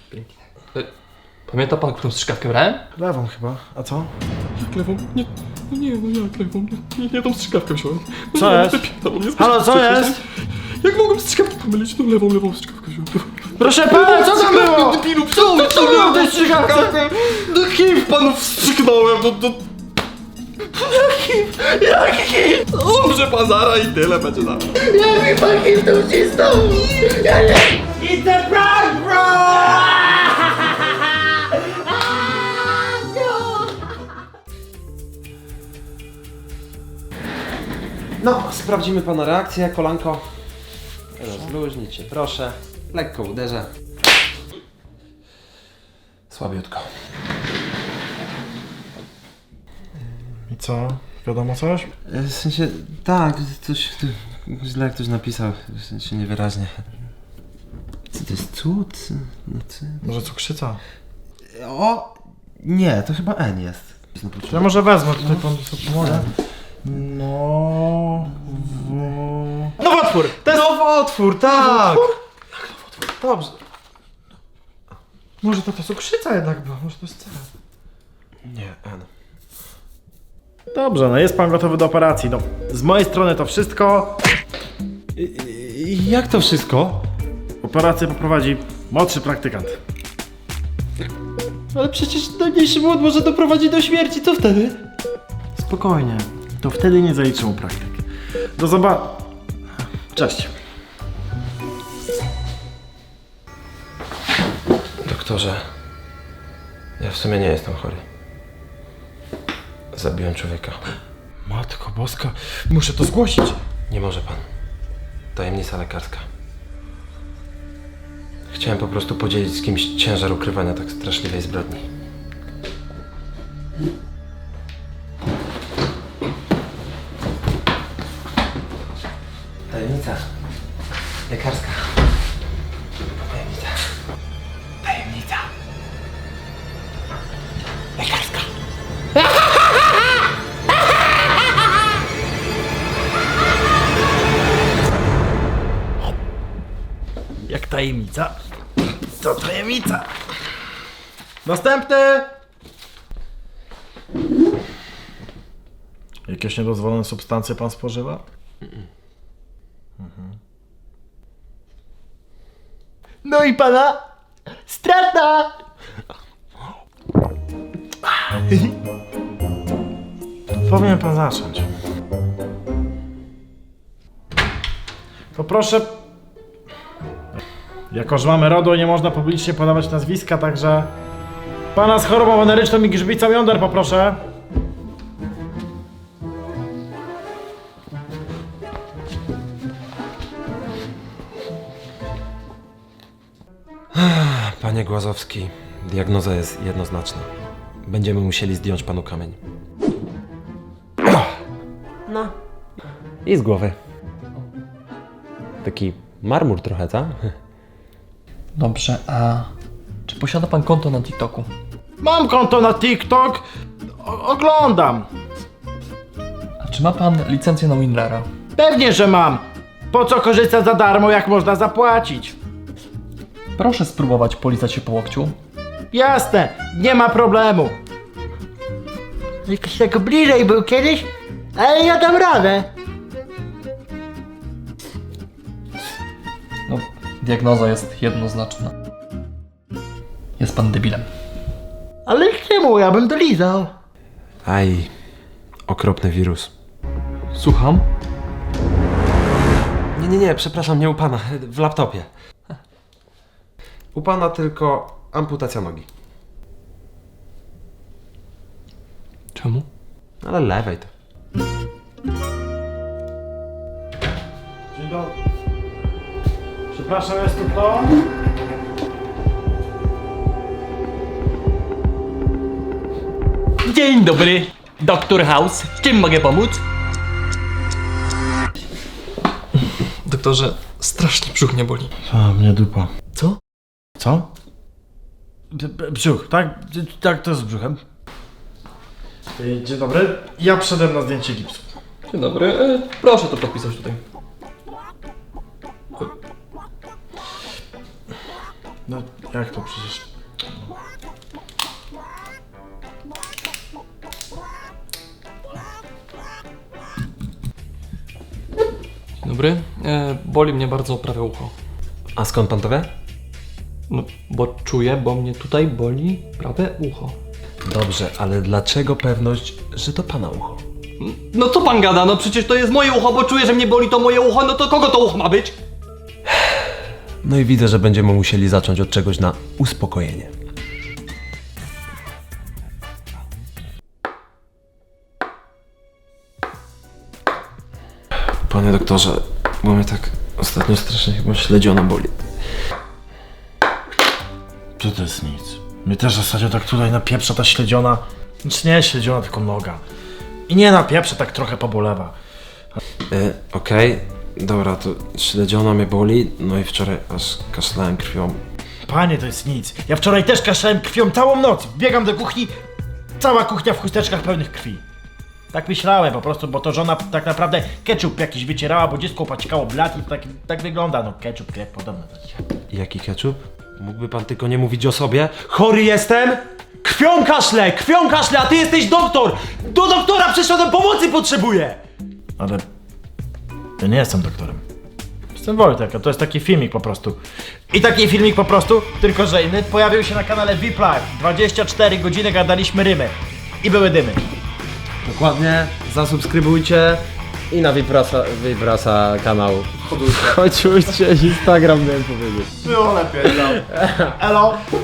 Pięknie. Pamięta pan, którą strzykawkę brałem? Lewą chyba, a co? Jak lewą? Nie, jak lewą? Nie tą strzykawkę wziąłem. Co jest? Halo, co jest? Jak mogłem strzykawkę pomylić? Tą lewą strzykawkę wziąłem. Proszę pana, co tam było? Debilu, Co było w tej strzykawce? Do HIV panów wstrzyknąłem, Jaki? Umrze pan zara i tyle będzie za. Jaki pan HIV to ucisnął? It's a prank, bro! No, sprawdzimy pana reakcję, kolanko. Zluźnij się, proszę. Lekko uderzę. Słabiutko. I co? Wiadomo coś? W sensie, tak, coś źle ktoś napisał, w sensie niewyraźnie. Co to jest cud? No, Może cukrzyca? O! Nie, to chyba N jest. Ja może wezmę, tutaj pan sobie pomoże. Nowotwór! To jest nowotwór, tak! Jak nowotwór? Dobrze. Może to cukrzyca jednak była, może to jest C. Nie, N. Dobrze, no jest pan gotowy do operacji. No, z mojej strony to wszystko. Jak to wszystko? Operację poprowadzi młodszy praktykant. Ale przecież najmniejszy błąd może doprowadzić do śmierci, co wtedy? Spokojnie, to wtedy nie zaliczę mu praktyk. Do zobaczenia. Cześć. Doktorze, ja w sumie nie jestem chory. Zabiłem człowieka. Matko Boska, muszę to zgłosić. Nie może pan. Tajemnica lekarska. Chciałem po prostu podzielić z kimś ciężar ukrywania tak straszliwej zbrodni. Tajemnica lekarska. Tajemnica. Tajemnica lekarska. Jak tajemnica? To tajemnica. Następny! Jakieś niedozwolone substancje pan spożywa? No i pana strata! Powinien pan zacząć. To proszę. Jako że mamy RODO, nie można publicznie podawać nazwiska, także pana z chorobą weneryczną i grzbicą jąder poproszę. Panie Głazowski, diagnoza jest jednoznaczna. Będziemy musieli zdjąć panu kamień. No. I z głowy. Taki marmur trochę, co? Dobrze, a czy posiada pan konto na TikToku? Mam konto na TikTok. Oglądam. A czy ma pan licencję na Winrara? Pewnie, że mam. Po co korzystać za darmo, jak można zapłacić? Proszę spróbować polizać się po łokciu. Jasne, nie ma problemu. Jakoś tak bliżej był kiedyś, ale ja dam radę. No, diagnoza jest jednoznaczna. Jest pan debilem. Ale czemu? Ja bym dolizał. Aj, okropny wirus. Słucham? Nie, przepraszam, nie u pana, w laptopie. U pana tylko amputacja nogi. Czemu? Ale lewej to. Dzień dobry. Przepraszam, jest tu kto? Dzień dobry, Dr. House. Czym mogę pomóc? Doktorze, strasznie brzuch mnie boli. A, mnie dupa. Co? Co? Brzuch, tak? Tak, to jest z brzuchem. Dzień dobry. Ja przyszedłem na zdjęcie gipsu. Dzień dobry, proszę to podpisać tutaj. No, Jak to przecież... Dobry. Boli mnie bardzo prawe ucho. A skąd pan to wie? No, bo czuję, bo mnie tutaj boli prawe ucho. Dobrze, ale dlaczego pewność, że to pana ucho? No co pan gada? No przecież to jest moje ucho, bo czuję, że mnie boli to moje ucho, no to kogo to ucho ma być? No i widzę, że będziemy musieli zacząć od czegoś na uspokojenie. Panie doktorze, bo mnie tak ostatnio strasznie chyba śledziona boli. To jest nic. Mnie też ostatnio tak tutaj napieprza ta śledziona. Znaczy nie śledziona, tylko noga. I nie napieprza, tak trochę pobolewa. Okej, dobra, to śledziona mnie boli, no i wczoraj aż kaszlałem krwią. Panie, to jest nic. Ja wczoraj też kaszlałem krwią całą noc. Biegam do kuchni, cała kuchnia w chusteczkach pełnych krwi. Tak myślałem po prostu, bo to żona tak naprawdę ketchup jakiś wycierała, bo dziecko opaćkało blat i tak wygląda. No ketchup, krew, podobne. Jaki ketchup? Mógłby pan tylko nie mówić o sobie? Chory jestem! Krwią kaszle, a ty jesteś doktor! Do doktora przyszedłem, pomocy potrzebuję! Ale ja nie jestem doktorem. Jestem Wojtek, a to jest taki filmik po prostu. I taki filmik po prostu, tylko że inny, pojawił się na kanale VIP Live. 24 godziny gadaliśmy rymy. I były dymy. Dokładnie, zasubskrybujcie i na Vibrasa kanał. Chodźcie, Instagram miałem powiedzieć. Było lepiej, no. Elo.